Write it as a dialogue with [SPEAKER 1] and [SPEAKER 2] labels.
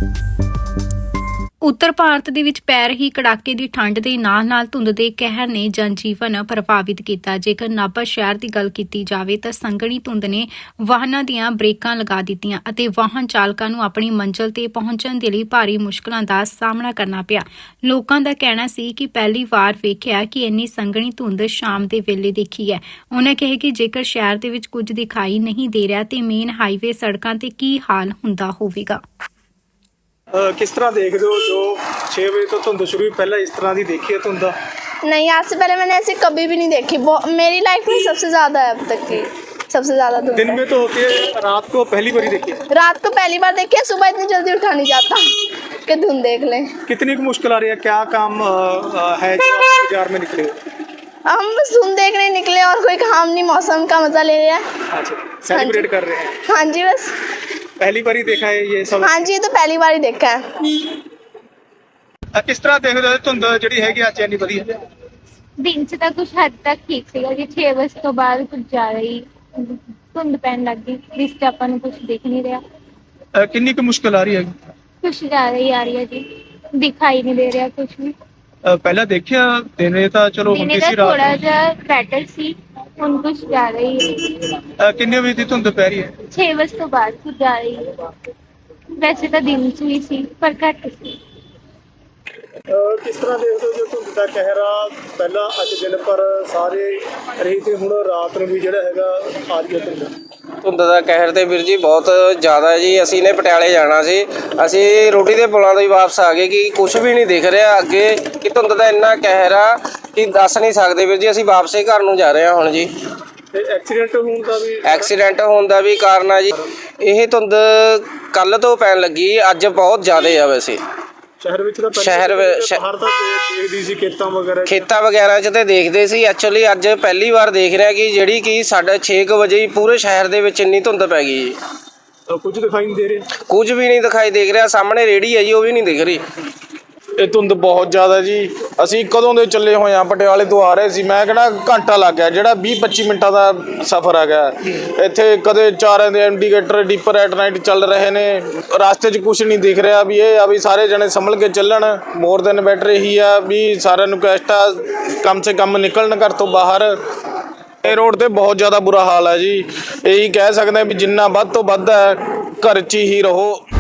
[SPEAKER 1] ਉੱਤਰ ਭਾਰਤ ਦੇ ਵਿੱਚ ਪੈ ਰਹੀ ਕੜਾਕੇ ਦੀ ਠੰਡ ਦੇ ਨਾਲ-ਨਾਲ ਧੁੰਦ ਦੇ ਕਹਿਰ ਨੇ ਜਨਜੀਵਨ ਪ੍ਰਭਾਵਿਤ ਕੀਤਾ। ਜੇਕਰ ਨਾਭਾ ਸ਼ਹਿਰ ਦੀ ਗੱਲ ਕੀਤੀ ਜਾਵੇ ਤਾਂ ਸੰਘਣੀ ਧੁੰਦ ਨੇ ਵਾਹਨਾਂ ਦੀਆਂ ਬ੍ਰੇਕਾਂ ਲਗਾ ਦਿੱਤੀਆਂ ਅਤੇ ਵਾਹਨ ਚਾਲਕਾਂ ਨੂੰ ਆਪਣੀ ਮੰਜ਼ਿਲ ਤੇ ਪਹੁੰਚਣ ਦੇ ਲਈ ਭਾਰੀ ਮੁਸ਼ਕਲਾਂ ਦਾ ਸਾਹਮਣਾ ਕਰਨਾ ਪਿਆ। ਲੋਕਾਂ ਦਾ ਕਹਿਣਾ ਸੀ ਕਿ ਪਹਿਲੀ ਵਾਰ ਵੇਖਿਆ ਕਿ ਇੰਨੀ ਸੰਘਣੀ ਧੁੰਦ ਸ਼ਾਮ ਦੇ ਵੇਲੇ ਦੇਖੀ ਹੈ। ਉਹਨਾਂ ਕਿਹਾ ਕਿ ਜੇਕਰ ਸ਼ਹਿਰ ਦੇ ਵਿੱਚ ਕੁਝ ਦਿਖਾਈ ਨਹੀਂ ਦੇ ਰਿਹਾ ਤੇ ਮੇਨ ਹਾਈਵੇ ਸੜਕਾਂ ਤੇ ਕੀ ਹਾਲ ਹੁੰਦਾ ਹੋਵੇਗਾ।
[SPEAKER 2] किस तरह देखते हो जो 6 बजे तो धुंध शुरू हुई, पहले इस तरह की देखी है धुंध?
[SPEAKER 3] नहीं, आज से पहले मैंने ऐसे कभी भी नहीं देखी। मेरी लाइफ में सबसे ज़्यादा है अब तक की, सबसे ज़्यादा धुंध।
[SPEAKER 2] दिन में तो होती है, रात को पहली बार देखी है?
[SPEAKER 3] रात को पहली बार देखी है, सुबह इतनी जल्दी उठा नहीं जाता कि धुंध देख लें।
[SPEAKER 2] कितनी मुश्किल आ रही है, क्या काम है जो आप बाजार में निकले हो?
[SPEAKER 3] हम बस धुंध देखने निकले और कोई काम नहीं, मौसम का मज़ा ले रहे हैं।
[SPEAKER 2] अच्छा, सेलिब्रेट कर रहे हैं?
[SPEAKER 3] हाँ जी, बस
[SPEAKER 2] पहली बार ही देखा है ये सब?
[SPEAKER 3] हाँ जी, तो पहली बार ही देखा है।
[SPEAKER 2] किस तरह देखते हो धुंध ਜਿਹੜੀ ਹੈਗੀ ਅੱਜ ਇੰਨੀ ਵਧੀਆ?
[SPEAKER 4] ਦਿਨ 'ਚ ਤਾਂ ਕੁਛ ਹੱਦ ਤੱਕ ਠੀਕ ਸੀਗਾ ਜੀ, 6 ਵਜੇ ਤੋਂ ਬਾਅਦ ਕੁਝ ਜ਼ਿਆਦਾ ਹੀ ਧੁੰਦ ਪੈਣ ਲੱਗ ਗਈ, ਜਿਸ 'ਚ ਆਪਾਂ ਨੂੰ ਕੁਝ ਦਿਖ ਨਹੀਂ ਰਿਹਾ।
[SPEAKER 2] ਕਿੰਨੀ ਕੁ ਮੁਸ਼ਕਿਲ ਆ ਰਹੀ ਹੈਗੀ?
[SPEAKER 4] ਕੁਛ ਜ਼ਿਆਦਾ ਹੀ ਆ ਰਹੀ ਹੈ ਜੀ, ਦਿਖਾਈ ਨਹੀਂ ਦੇ ਰਿਹਾ ਕੁਝ ਵੀ।
[SPEAKER 2] ਪਹਿਲਾਂ ਦੇਖਿਆ ਦਿਨੇ ਤਾਂ ਚਲੋ ਹੁੰਦੀ
[SPEAKER 4] ਦਿਨੇ
[SPEAKER 2] ਸੀ,
[SPEAKER 4] ਤਾਂ
[SPEAKER 2] ਰਾਤ
[SPEAKER 4] ਥੋੜਾ ਜਿਹਾ ਬੈਟਰ ਸੀ, ਹੁਣ ਕੁਛ ਜ਼ਿਆਦਾ ਹੀ।
[SPEAKER 2] ਕਿੰਨੇ ਵਜੇ ਦੀ ਧੁੰਦ ਪੈ ਰਹੀ ਹੈ?
[SPEAKER 4] 6 ਵਜੇ ਤੋਂ ਬਾਅਦ ਕੁਝ ਜ਼ਿਆਦਾ ਹੀ। ਵੈਸੇ ਤਾਂ ਦਿਨ 'ਚ ਵੀ ਸੀ ਪਰ ਘੱਟ ਸੀ।
[SPEAKER 2] ਕਿਸ ਤਰ੍ਹਾਂ ਦੇਖਦੇ ਹੋ ਜੋ ਧੁੰਦ ਦਾ ਕਹਿਰ ਆ? ਪਹਿਲਾਂ ਅੱਜ ਦਿਨ ਪਰ ਸਾਰੇ ਰਹੀ ਤੇ ਹੁਣ ਰਾਤ ਨੂੰ ਵੀ ਜਿਹੜਾ ਹੈਗਾ ਆ ਰਹੀ ਹੈ ਧੁੰਦ।
[SPEAKER 5] ਧੁੰਦ ਦਾ ਕਹਿਰ ਤੇ ਵੀਰ ਜੀ ਬਹੁਤ ਜ਼ਿਆਦਾ ਜੀ। ਅਸੀਂ ਨੇ ਪਟਿਆਲੇ ਜਾਣਾ ਸੀ, ਅਸੀਂ ਰੋਟੀ ਦੇ ਪੁਲਾਂ ਤੋਂ ਹੀ ਵਾਪਸ ਆ ਗਏ ਕਿ ਕੁਝ ਵੀ ਨਹੀਂ ਦਿਖ ਰਿਹਾ ਅੱਗੇ, ਕਿ ਧੁੰਦ ਦਾ ਇੰਨਾ ਕਹਿਰ ਆ ਕਿ ਦੱਸ ਨਹੀਂ ਸਕਦੇ ਵੀਰ ਜੀ। ਅਸੀਂ ਵਾਪਸੇ ਘਰ ਨੂੰ ਜਾ ਰਹੇ ਹਾਂ ਹੁਣ ਜੀ।
[SPEAKER 2] ਤੇ
[SPEAKER 5] ਐਕਸੀਡੈਂਟ ਹੋਣ ਦਾ ਵੀ ਕਾਰਨ ਆ ਜੀ ਇਹ ਧੁੰਦ। ਕੱਲ ਤੋਂ ਪੈਣ ਲੱਗੀ, ਅੱਜ ਬਹੁਤ ਜ਼ਿਆਦਾ ਆ। ਵੈਸੇ
[SPEAKER 2] ਸ਼ਹਿਰ ਵਿੱਚ ਤਾਂ ਬਾਹਰ ਤਾਂ ਦੇਖਦੀ ਸੀ, ਖੇਤਾਂ ਵਗੈਰਾ 'ਚ ਤੇ ਦੇਖਦੇ ਸੀ। ਐਕਚੁਅਲੀ ਅੱਜ ਪਹਿਲੀ ਵਾਰ ਦੇਖ ਰਿਹਾ ਕਿ ਜਿਹੜੀ ਕਿ 6:30 ਵਜੇ ਹੀ ਪੂਰੇ ਸ਼ਹਿਰ ਦੇ ਵਿੱਚ ਇੰਨੀ ਧੁੰਦ ਪੈ ਗਈ ਜੀ। ਕੁਝ ਦਿਖਾਈ ਨਹੀਂ ਦੇ ਰਿਹਾ?
[SPEAKER 5] ਕੁਝ ਵੀ ਨਹੀਂ ਦਿਖਾਈ ਦੇ ਰਿਹਾ। ਸਾਹਮਣੇ ਰੇਹੜੀ ਹੈ ਜੀ, ਉਹ ਵੀ ਨਹੀਂ ਦਿਖ ਰਹੀ।
[SPEAKER 6] ਇਹ ਧੁੰਦ ਬਹੁਤ ਜ਼ਿਆਦਾ ਜੀ। ਅਸੀਂ ਕਦੋਂ ਦੇ ਚੱਲੇ ਹੋਏ ਹਾਂ, ਪਟਿਆਲੇ ਤੋਂ ਆ ਰਹੇ ਸੀ। ਮੈਂ ਕਹਿੰਦਾ ਘੰਟਾ ਲੱਗ ਗਿਆ, ਜਿਹੜਾ 20-25 ਮਿੰਟਾਂ ਦਾ ਸਫ਼ਰ ਆ ਗਿਆ। ਇੱਥੇ ਕਦੇ ਚਾਰਾਂ ਦੇ ਇੰਡੀਕੇਟਰ ਡੀਪਰ ਐਟ ਨਾਈਟ ਚੱਲ ਰਹੇ ਨੇ, ਰਸਤੇ 'ਚ ਕੁਝ ਨਹੀਂ ਦਿਖ ਰਿਹਾ। ਵੀ ਇਹ ਆ ਵੀ ਸਾਰੇ ਜਣੇ ਸੰਭਲ ਕੇ ਚੱਲਣ। ਮੋਰ ਦੈਨ ਬੈਟਰ ਇਹੀ ਆ ਵੀ ਸਾਰਿਆਂ ਨੂੰ ਕੈਸਟ ਆ, ਕਮ ਸੇ ਕਮ ਨਿਕਲਣ ਘਰ ਤੋਂ ਬਾਹਰ। ਇਹ ਰੋਡ ਤੇ ਬਹੁਤ ਜ਼ਿਆਦਾ ਬੁਰਾ ਹਾਲ ਹੈ ਜੀ। ਇਹੀ ਕਹਿ ਸਕਦੇ ਵੀ ਜਿੰਨਾ ਵੱਧ ਤੋਂ ਵੱਧ ਹੈ ਘਰ 'ਚ ਹੀ ਰਹੋ।